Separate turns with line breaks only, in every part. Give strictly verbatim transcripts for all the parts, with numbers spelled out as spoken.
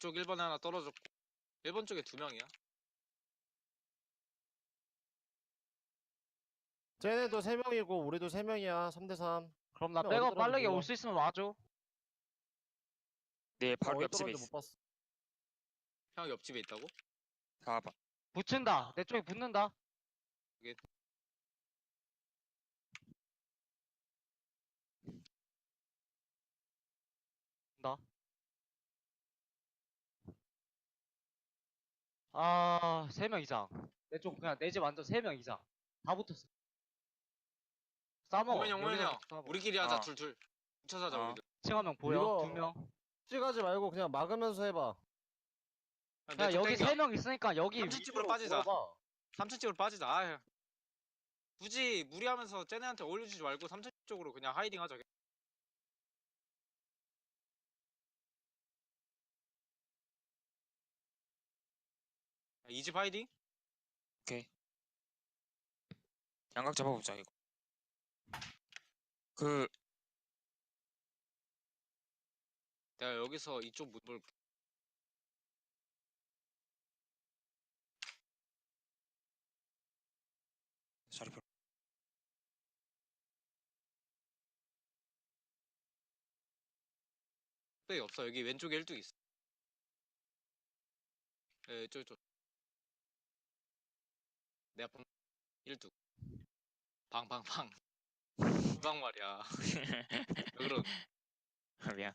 이쪽 일 번에 하나 떨어졌고 일 번 쪽에 두 명이야.
쟤네도 세 명이고 우리도 세 명이야. 삼 대 삼.
그럼 나
형 어디
백업
떨어졌는지
빠르게
몰라.
올 수 있으면 와줘.
네, 바로
어디
옆집에
떨어졌는지
있어.
못 봤어.
형 옆집에 있다고?
사 번.
붙인다. 내 쪽에 붙는다. 나. 아, 세 명 이상. 내 쪽 그냥 내 집 완전 세 명 이상. 다 붙었어. 싸먹어.
오면 형, 오면 형.
싸먹어.
우리끼리 하자.
어.
둘둘. 뭉쳐서 하자
어.
우리들.
층 한 명 보여?
이거-
두 명.
찍하지 말고 그냥 막으면서 해봐.
야, 여기 세 명 있으니까 여기
삼 층 집으로
위로
빠지자.
돌아봐.
삼 층 쪽으로 빠지자. 아, 굳이 무리하면서 쟤네한테 올려주지 말고 삼 층 쪽으로 그냥 하이딩 하자. 이 집 하이딩?
양각 잡아보자 이거. 그
내가 여기서 이쪽 문 볼게.
자리 별.
뚝배기 없어. 여기 왼쪽에 일뚝 있어. 에, 이쪽 이쪽. 내 앞에 일뚝. 방방방. 두방 말이야. 왜 그런
아, 미안.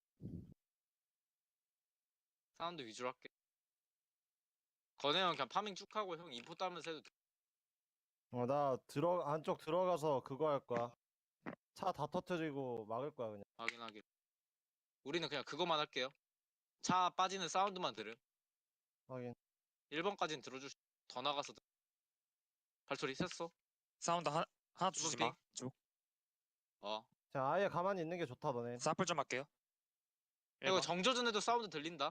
사운드 위주로 할게. 건혜 형 그냥 파밍 쭉 하고 형 인포 따면서 해도 돼.
어, 나 들어 안쪽 들어가서 그거 할 거야. 차 다 터트리고 막을 거야 그냥.
확인하게. 우리는 그냥 그것만 할게요. 차 빠지는 사운드만 들음.
확인.
일 번까지는 들어줄 수... 더 나가서 들... 발소리 셌어?
사운드 하, 하나 주지 마.
핑?
쭉.
어.
자 아예 가만히 있는 게 좋다 너네.
사플 좀 할게요.
이거
일 번.
정조준에도 사운드 들린다.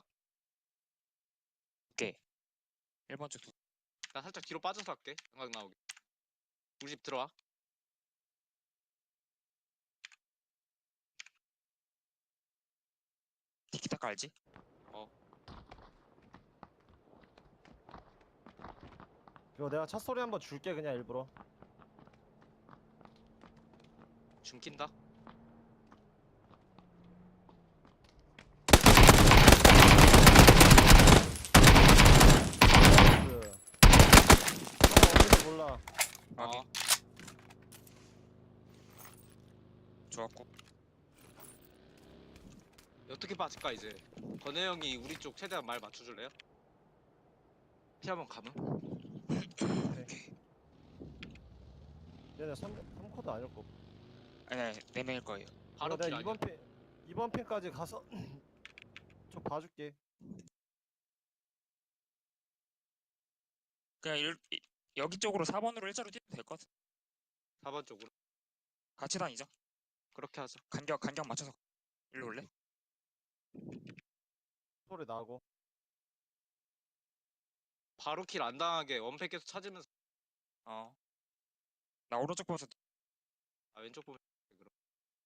일 번 쪽 두.
나 살짝 뒤로 빠져서 할게. 생각 나오게. 우리 집 들어와.
티키타카 알지?
이거 내가 차 소리 한번 줄게 그냥 일부러.
줌킨다.
그. 어, 어딘지 몰라.
확인.
어.
좋았고.
어떻게 빠질까 이제. 건혜 형이 우리 쪽 최대한 말 맞춰줄래요? 피 한번 감음?
얘네 삼, 삼 코드 아닐 거.
아니 아니 네 명일 거예요.
바로
내가
킬 아니야?
이번 핀 이번 핀까지 가서 좀 봐줄게.
그냥 일, 이- 여기 쪽으로 사 번으로 일자로 뛰면 될 것 같아.
사 번 쪽으로.
같이 다니자.
그렇게 하자.
간격 간격 맞춰서. 일로 올래?
소리 나고.
바로 킬 안 당하게 원팩 계속 찾으면서.
어. 나 오른쪽 보면서
아 왼쪽 보면 돼, 그럼.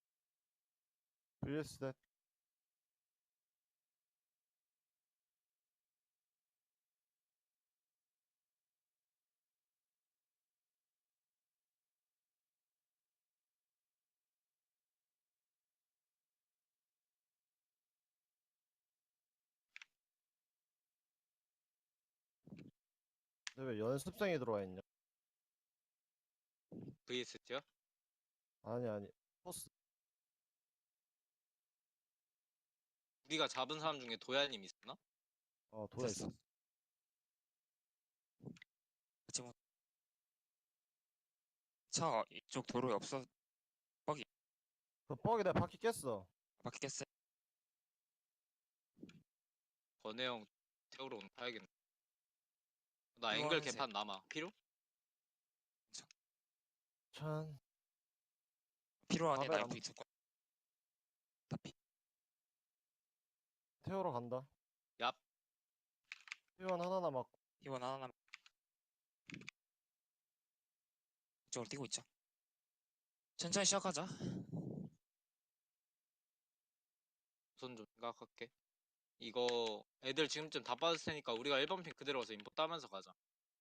브이에스 대. 근데 왜 연습생이 들어와 있냐?
브이에스티야?
아니 아니. 포스.
우리가 잡은 사람 중에 도야님 있었나?
어 돌아
됐어.
있어.
같이 뭐. 차 이쪽 도로에 없어.
그 뻑이 내가 바퀴 깼어.
바퀴 깼어.
건혜 형 태우러 오는 파야겠네. 나
이거
앵글
하면서
개판 남아. 필요?
천.
필요하네. 나
밥에
옆에
안-
있을 거야. 다피.
태우러 간다.
얍.
회원 하나 남았고.
희원 하나 남. 이쪽으로 뛰고 있자. 천천히 시작하자.
우선 좀 생각할게. 이거 애들 지금쯤 다 빠졌을 테니까 우리가 일 번 핑 그대로 가서 인포 따면서 가자.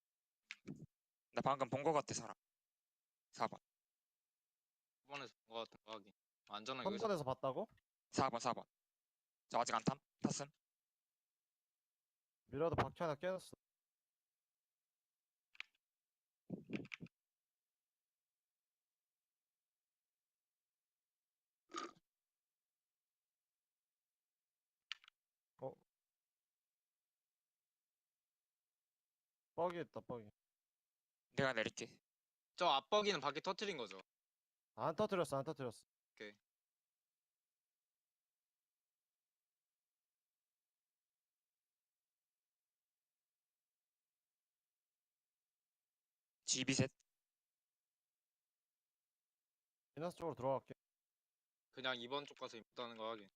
나 방금 본 거 같아 사람. 사 번.
일 번에서 본 거 같은 거 하긴. 안전하게 여기서
삼 번에서 봤다고?
사 번 사 번. 저 아직 안 탐? 탔음?
미라도 바퀴 하나 깨놨어. 어? 뻑이 있다 뻑이.
내가 내릴게.
저 앞버기는 바퀴 터트린 거죠.
안 터뜨렸어 안 터뜨렸어.
오케이.
지비 셋.
비너스 쪽으로 들어갈게.
그냥 이 번 쪽 가서 인포 따는 거 하긴.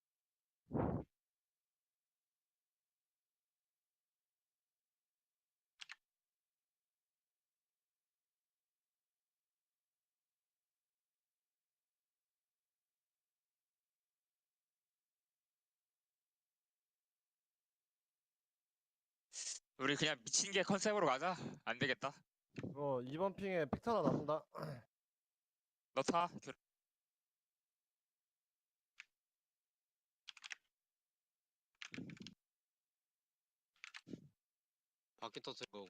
우리 그냥 미친 개 컨셉으로 가자. 안 되겠다.
이거 이 번 핑에 픽트 하나 남는다.
너 타. 교-
바퀴 터트린 거고.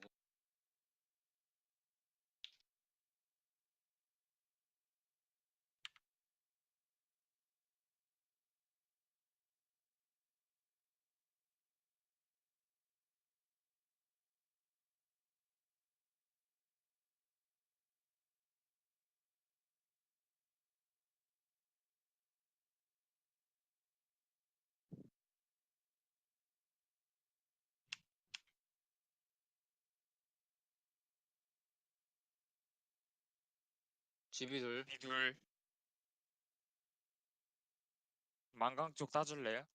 집이 둘.
이 둘. 만강 쪽 따줄래요?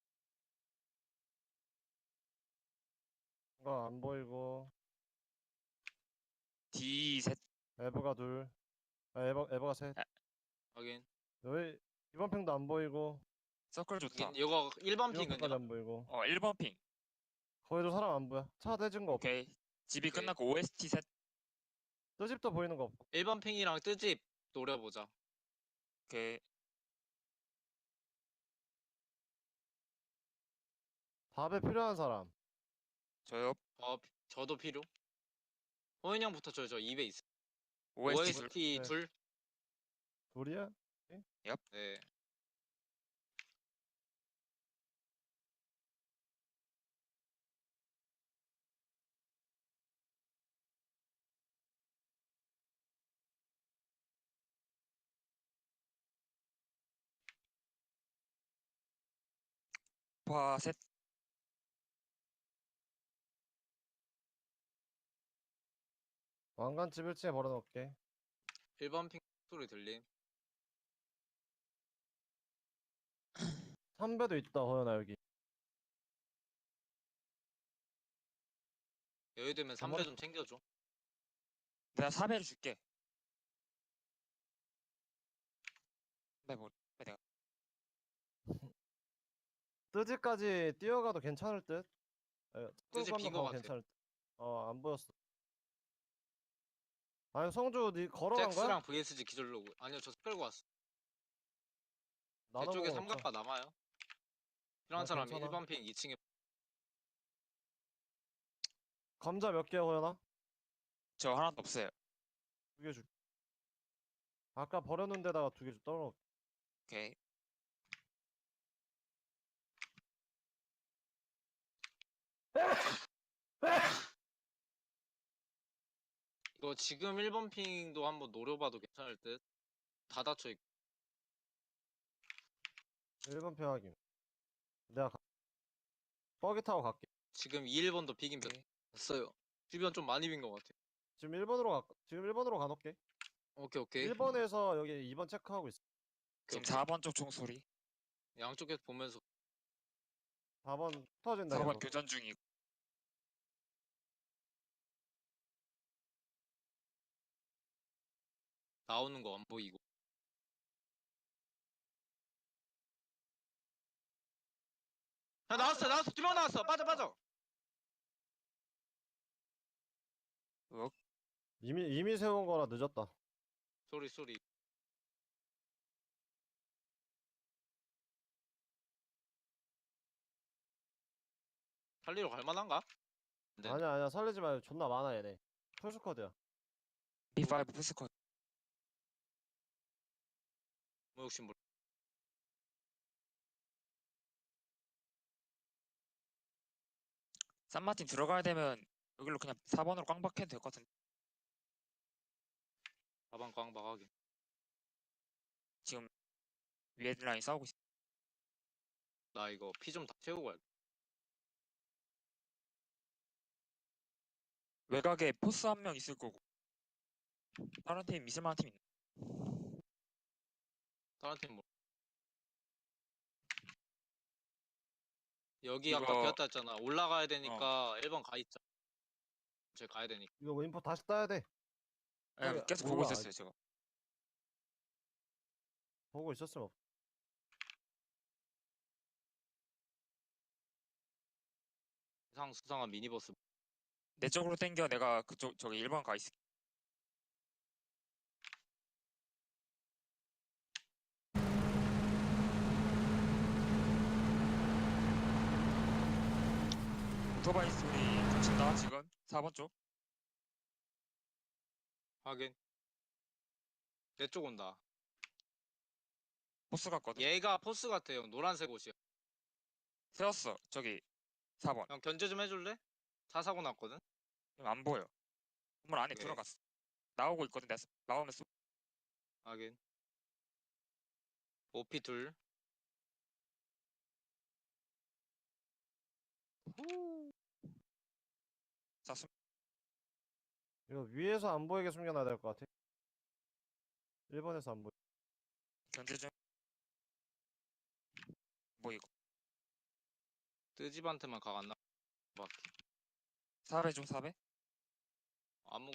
이거 안 보이고.
D 셋.
에버가 둘. 아, 에버 에버가 셋.
확인.
여기 이 번 핑도 안 보이고.
서클 좋다.
확인. 이거 일 번
이 번 핑까지
핑은요?
안 보이고.
어 일 번 핑.
거기도 사람 안 보여. 차 대진 거 없고.
오케이. 집이
오케이.
끝났고 오에스티 셋.
뜨집도 보이는 거 없고.
일 번 핑이랑 뜨집 노려보자.
오케이.
답에 필요한 사람.
저요.
어, 피- 저도 필요. 호인 형부터 줘요. 저 입에 있어.
오에스티 둘.
오에스티
네.
둘.
둘이야?
네.
파 셋.
왕관집 일 층에 벌어놓을게.
일 번 핑 소리 들림.
삼 배도 있다 호연아 여기.
여유 되면 삼 배
한번-
좀 챙겨줘.
내가 사 배를 줄게. 네, 뭐, 내가
뜨지까지 뛰어가도 괜찮을 듯. 에,
뜨지
끌고
빈거
가면
같아.
괜찮을 듯. 어 안 보였어. 아니 성주 니 걸어간 거야?
잭스랑 브이에스지 기절로고. 아니요, 저 끌고 왔어. 제
나눠
쪽에
먹어 놓자.
삼각바 남아요. 필요한
어,
사람이
괜찮아.
일 번 핑 이 층에.
감자 몇 개야 호연아?
저 하나도 없어요.
두 개 줄게. 아까 버려놓은 데다가 두 개 줄 떨어.
오케이.
이거 지금 일 번 핑도 한번 노려봐도 괜찮을 듯. 다 닫혀 있고.
일 번 표 확인. 내가 가... 버기 타고 갈게.
지금 이, 일 번도 비긴
오케이.
됐어요. 주변 좀 많이 빈 것 같아.
지금 일 번으로 가. 지금 일 번으로 가놓게.
오케이, 오케이.
일 번에서 여기 이 번 체크하고 있어.
오케이,
지금
오케이.
사 번 쪽 총소리.
양쪽에서 보면서
사 번 터진다.
사 번
계속.
교전 중이고.
나오는 거 안 보이고. 야 나왔어 나왔어 두 명 나왔어 빠져 빠져.
어?
이미 이미 세운 거라 늦었다.
쏘리 쏘리. 살리러 갈만한가? 네.
아니야 아니야 살리지 마요. 존나 많아 얘네. 풀스쿼드야.
비 파이브 푸스컷.
뭐 욕심 몰.
산마틴 들어가야 되면 여기로 그냥 사 번으로 꽝 박혀도 될 것 같은데.
가방 꽝박하게.
지금 위에 라인 싸우고 있어.
나 이거 피 좀 다 채우고 갈게.
외곽에 포스 한 명 있을 거고. 다른 팀 있을 만한 팀 있나?
다른 팀 뭐. 여기
이거-
아까 비었다 했잖아. 올라가야 되니까 일 번 가 있자. 저 가야 되니까.
이거 뭐 인포 다시 따야 돼.
예,
아니,
계속
몰라.
보고 있었어요 제가.
보고 있었으면 없.
이상 수상한 미니버스.
내 쪽으로 땡겨. 내가 그쪽 저기 일 번 가 있을게. 오토바이 소리 겹친다 지금 사 번 쪽.
하긴. 내 쪽 온다.
포스 갔거든.
얘가 포스 같아 형. 노란색 옷이야.
세웠어 저기 사 번.
형 견제 좀 해줄래? 차 사고 났거든.
지금 안 보여. 건물 안에
네.
들어갔어. 나오고 있거든. 내가 나오면 쏘.
하긴. 오피 둘.
자, 숨.
이거 위에서 안 보이게 숨겨놔야 될 것 같아. 일 번에서 안 보이.
견제 좀. 뭐 이거
뜨집한테만 각 안 나. 밖에.
사 배 좀 사 배.
아무.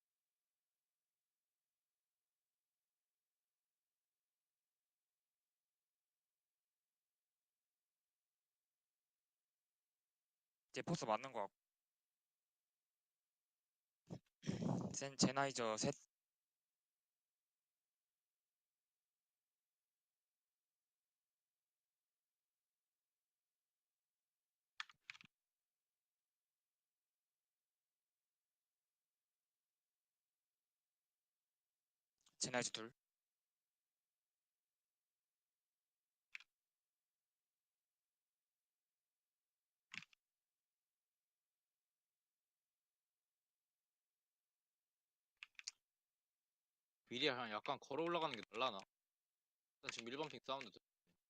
제 포스 맞는 거 같고. 센 제나이저 셋. 제나이저 둘.
미리 그냥 약간 걸어 올라가는 게 날라나? 난 지금 일 번 핑 사운드 들.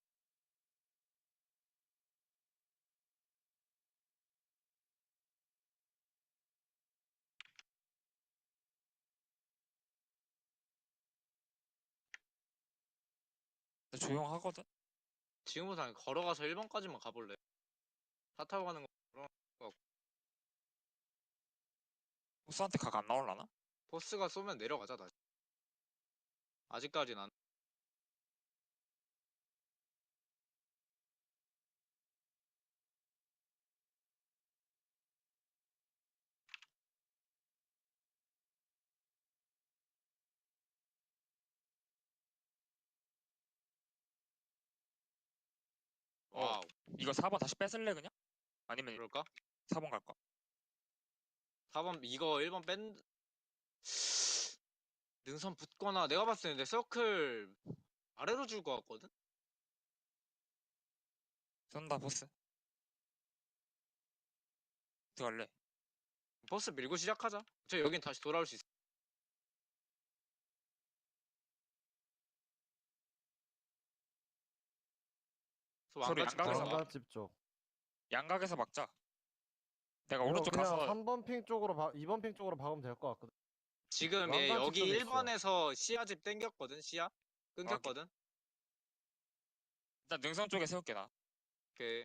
근데 조용하거든.
지금부터 그냥 걸어가서 일 번까지만 가볼래? 차 타고 가는 거 걸어.
포스한테 각 안 나올라나?
포스가 쏘면 내려가자 다시. 아직까진 안.
어.
와우.
이거 사 번 다시 뺏을래 그냥? 아니면
그럴까?
사 번 갈까?
사 번 이거 일 번 뺀. 능선 붙거나 내가 봤을 때 내 서클 아래로 줄 것 같거든?
쏜다 포스. 어떻게 할래?
버스 밀고 시작하자. 저 여긴 다시 돌아올 수 있어.
소리
왕같이
양각에서
걸어가.
막-
왕관집 쪽.
양각에서 막자. 내가
이거
오른쪽
그냥
가서
삼 번 핑 쪽으로 봐. 이 번 핑 쪽으로 박으면 될 것 같거든.
지금 얘
왕관집
여기
쪽에
일 번에서 시야집 땡겼거든. 시야 끊겼거든.
일단 능선 쪽에 세울게 나.
오케이.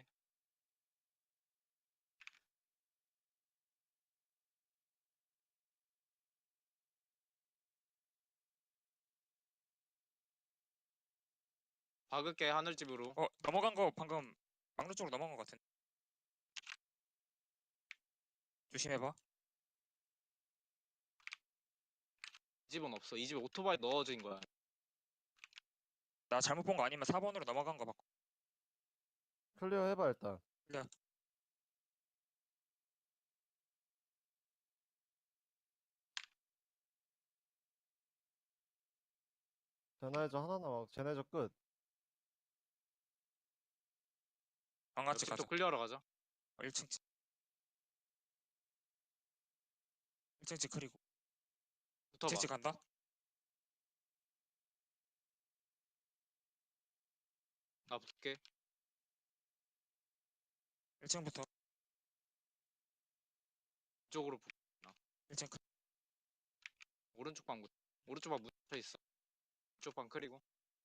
박을게 하늘집으로.
어 넘어간 거 방금 막루 쪽으로 넘어간 거 같은. 조심해봐.
이 집은 없어. 이 집에 오토바이 넣어진 거야.
나 잘못 본 거 아니면 사 번으로 넘어간 거 맞고.
클리어 해봐 일단.
클리어.
제나이저 하나 남아. 제나이저 끝.
방같이 가자.
옆집도 클리어하러 가자.
어, 일 층 집. 일 층 집 그리고 일 층
붙어봐.
집 간다.
나 붙을게.
일 층부터
이쪽으로 붙.
일 층 크.
오른쪽 방 붙. 오른쪽 방 붙어 있어. 이쪽 방 크리고.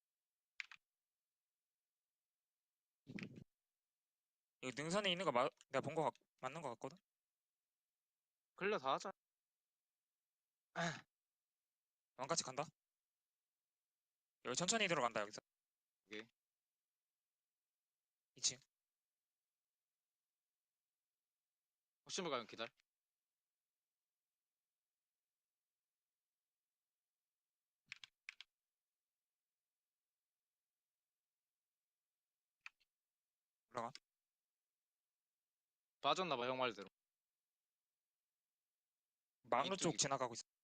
여기 능선에 있는 거 맞, 내가 본 거 같, 맞는 거 같거든.
클리어 다 하자.
왕같이 간다. 여기 천천히 들어간다 여기서.
오케이.
이 층.
호심을 가면 기다려.
올라가.
빠졌나봐 형 말대로.
망루 쪽
이쪽이고.
지나가고 있어.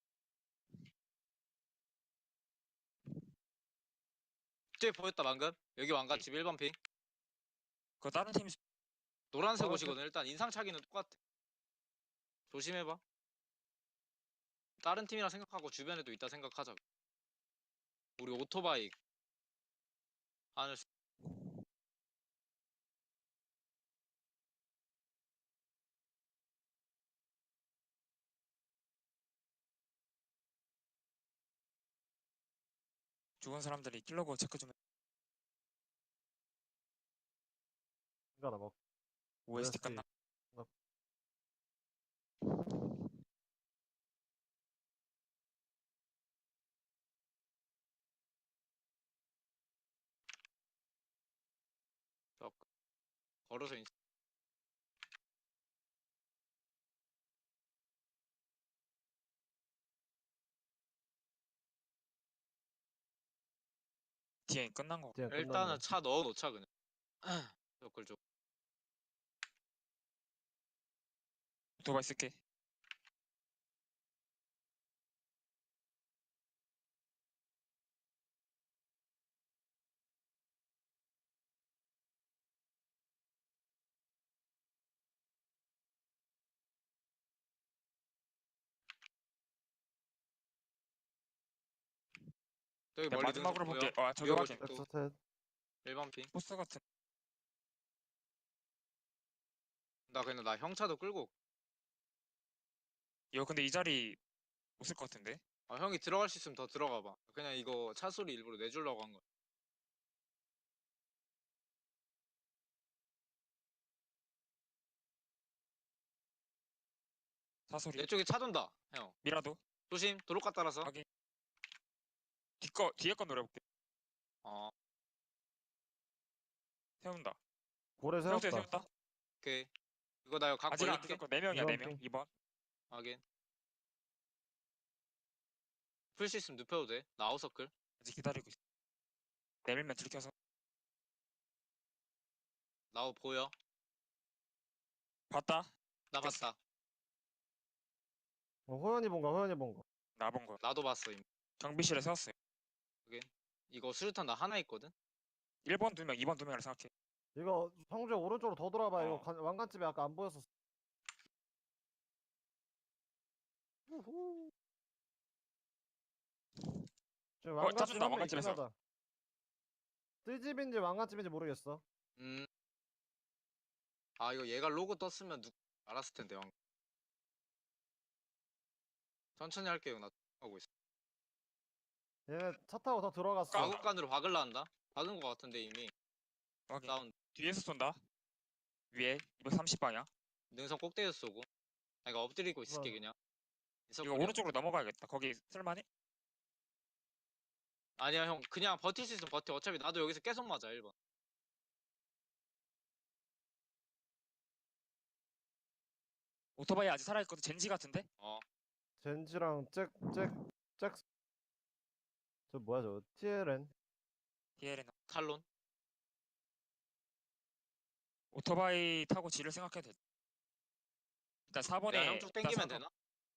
저기 보였다 방금. 여기 왕가집 일 번 핑.
그거 다른 팀
노란색
어,
옷이거든. 일단 인상착의는 똑같아. 조심해봐. 다른 팀이라 생각하고 주변에도 있다 생각하자. 우리 오토바이 하늘 수-
죽은 사람들이 킬러고 체크 좀 해.
이거 나 먹.
오에스티 끝나.
저- 걸어서 인...
뒤에 끝난 거.
그냥 끝났네.
일단은 차 넣어 놓자 그냥. 저걸 좀
오토바이 쓸게.
저기
내가
멀리
마지막으로
능선
볼게.
보여?
아 저기
위하고
확인.
싶-
엑스텟.
일 번 핑.
포스 같은.
나 그냥 나 형 차도 끌고 올게.
이거 근데 이 자리 못 쓸 것 같은데.
아, 형이 들어갈 수 있으면 더 들어가 봐. 그냥 이거 차 소리 일부러 내주려고 한 거야.
사소리.
내 쪽에 차 돈다. 형.
미라도.
조심. 도로가 따라서.
확인. 뒤거 뒤에 거 노려볼게.
어.
세운다.
고래
세웠다
세웠다.
세웠다.
오케이. 이거 나 이거 각
아직 안
벌릴게.
뜯었고 네 명이야
이번
네 명.
핑.
이 번.
확인. 풀 수 있으면 눕혀도 돼. 나 아웃서클.
아직 기다리고 있어. 내밀면 들켜서.
나우 보여.
봤다.
나
됐어.
봤다.
어, 호연이 본 거, 호연이 본 거.
나 본 거야.
나도 봤어. 이미.
경비실에 세웠어요.
이거 수류탄 나 하나 있거든.
일 번 두 명, 이 번 두 명이라 생각해.
이거 성주야 오른쪽으로 더 돌아봐. 이거
어.
관- 왕관집에 아까 안 보였었어. 우후. 지금
어,
왕관집
짜증나,
한명
왕관집에서.
있긴 하다. 뜨집인지 왕관집인지 모르겠어.
음. 아 이거 얘가 로고 떴으면 누 알았을 텐데 형. 천천히 할게요. 나 하고 있어.
얘네 차 타고 더 들어갔어.
가국간으로 박을라 한다. 박은 거 같은데 이미.
확인.
다운
뒤에서 쏜다. 위에 이백삼십 방향.
능선 꼭대기에서 쏘고. 아, 이거 엎드리고 있을게
어.
그냥.
이거
인서클이야.
오른쪽으로 넘어가야겠다. 거기 쓸만해?
아니야 형 그냥 버틸 수 있으면 버텨. 어차피 나도 여기서 계속 맞아 일 번.
오토바이 아직 살아있거든. 젠지 같은데?
어
젠지랑 잭잭잭 저 뭐야 저 티엘엔
디엘엔
탈론.
오토바이 타고 지를 생각해도 돼. 일단 사 번에
내가 형 쪽 땡기면 되나?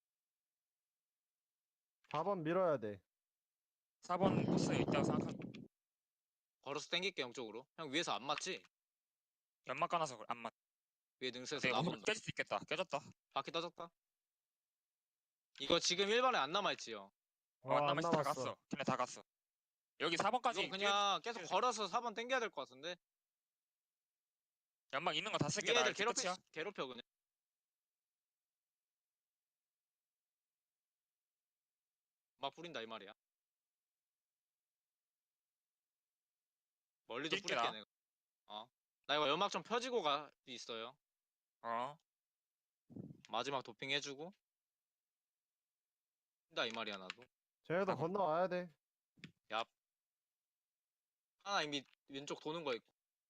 사 번 밀어야 돼.
사 번 코스 있다고 생각하고
걸어서 땡길게 형 쪽으로. 형 위에서 안 맞지?
연막 까놔서 그래. 안 맞.
위에 능선에서
내가 오늘
나본다.
깨질 수 있겠다. 깨졌다.
바퀴 떠졌다. 이거 지금 일 번에 안 남아있지 형.
어, 안
안
남았어. 다
남았어.
갔어. 걔네 다 갔어. 여기 사 번까지
이건 그냥 계속 걸어서 사 번 땡겨야 될 것 같은데.
연막 있는 거 다 쓸게.
위에
나
애들
이렇게
괴롭혀
끝이야.
괴롭혀 그냥. 막 뿌린다 이 말이야. 멀리도
뛸게,
뿌릴게
나.
내가. 어. 나 이거 연막 좀 펴지고 가 있어요.
어.
마지막 도핑 해주고. 뛴다 이 말이야 나도.
쟤네도
사 번.
건너와야 돼.
하나 이미 왼쪽 도는 거 있고.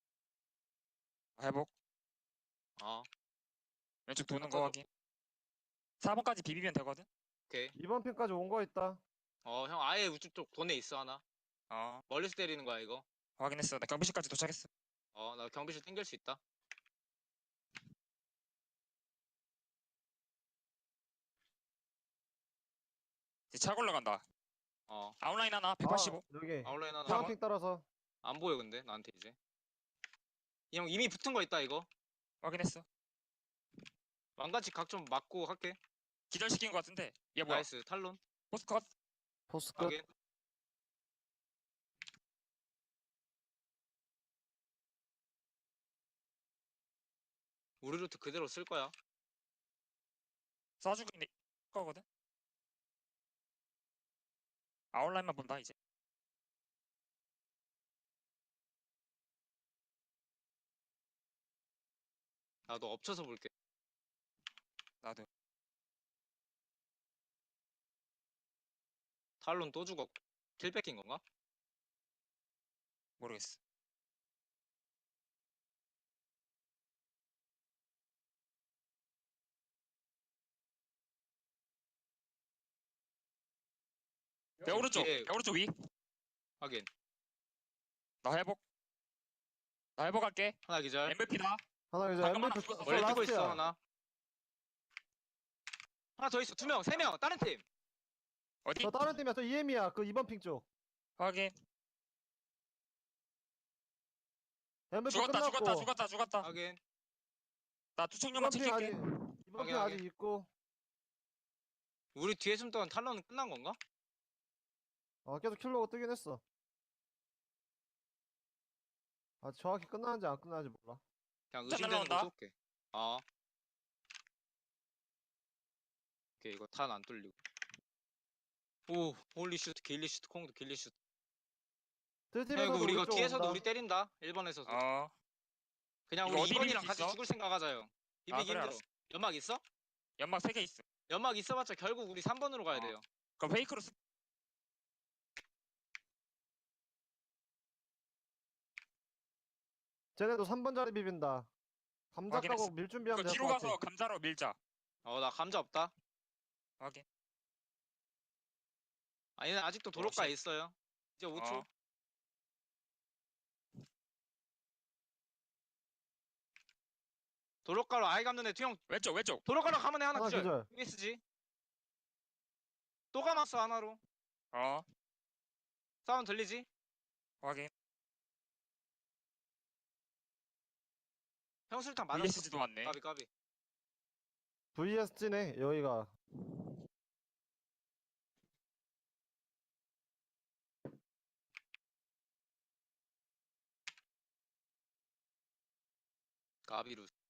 회복.
어.
왼쪽 도는
아까도-
거 확인. 사 번까지 비비면 되거든.
오케이.
이번 핀까지 온 거 있다.
어 형 아예 우측 쪽 돈에 있어 하나.
어.
멀리서 때리는 거야 이거.
확인했어. 나 경비실까지 도착했어.
어 나 경비실 땡길 수 있다.
이제 차 올라간다.
어
아웃라인 하나 백팔십오.
아, 여기
아웃라인 하나.
파란핑 따라서
안 보여 근데 나한테 이제. 이 형 이미 붙은 거 있다 이거.
확인했어.
왕같이 각 좀 맞고 할게.
기절시킨 거 같은데. 얘 뭐야?
나이스 탈론.
포스컷.
포스 끝.
확인. 우리 루트 그대로 쓸 거야.
쏴주고 있는 거거든. 아웃라인만 본다 이제.
나도 엎쳐서 볼게.
나도.
탈론 또 죽었고. 킬 뺏긴 건가?
모르겠어. 내 오른쪽.
뒤에-
내 오른쪽 위.
확인.
나 회복. 나 회복할게.
하나 기절.
엠브이피다.
하나 이제
잠깐만,
엠비피
나
원래 뛰고
라스트야.
있어 하나. 하나 더 있어. 두 명, 세 명. 다른 팀.
어디?
저 다른 팀이야. 저 이엠이야. 그 이번 핑 쪽.
확인.
엠비피
죽었다
끝났고.
죽었다 죽었다 죽었다.
확인.
나 투척료만
이번 핑 아직
챙길게.
이번
확인,
핑
확인.
아직 있고.
우리 뒤에 숨던 탈론은 끝난 건가?
어 계속 킬로가 뜨긴 했어. 아 정확히 끝나는지 안 끝나는지 몰라.
그냥
진짜
의심되는 거
날라온다.
쏠게. 어. 오케이 이거 탄 안 뚫리고. 오, 홀리 슈트, 길리 슈트, 콩도 길리 슈트. 형 이거
들팀에서도
우리 이거
쪽
뒤에서도
온다.
우리 때린다. 일 번에서도.
어.
그냥
이거
우리
어디
이 번이랑
비빌 수
같이
있어?
죽을 생각하자요. 비비기
아, 그래,
힘들어.
알았어.
연막 있어?
연막 세 개 있어.
연막 있어봤자 결국 우리 삼 번으로 가야
어.
돼요.
그럼 페이크로 쓰.
쟤네도 삼 번 자리 비빈다. 감자
확인했어.
까고 밀 준비하면
이거
될
뒤로
것 같아.
가서 감자로 밀자.
어, 나 감자 없다.
확인.
아니 아직도 도로가에
쉣.
있어요. 이제 오 초.
어.
도로가로 아예 감는 애 투영.
왼쪽 왼쪽.
도로가로 가면 애 하나
하나
기절.
기절.
유에스지. 또 감았어 하나로.
어.
사운드 들리지?
확인.
형술탄 맞았어.
브이에스지도 왔네.
까비 까비.
브이에스지네 여기가.
까비루.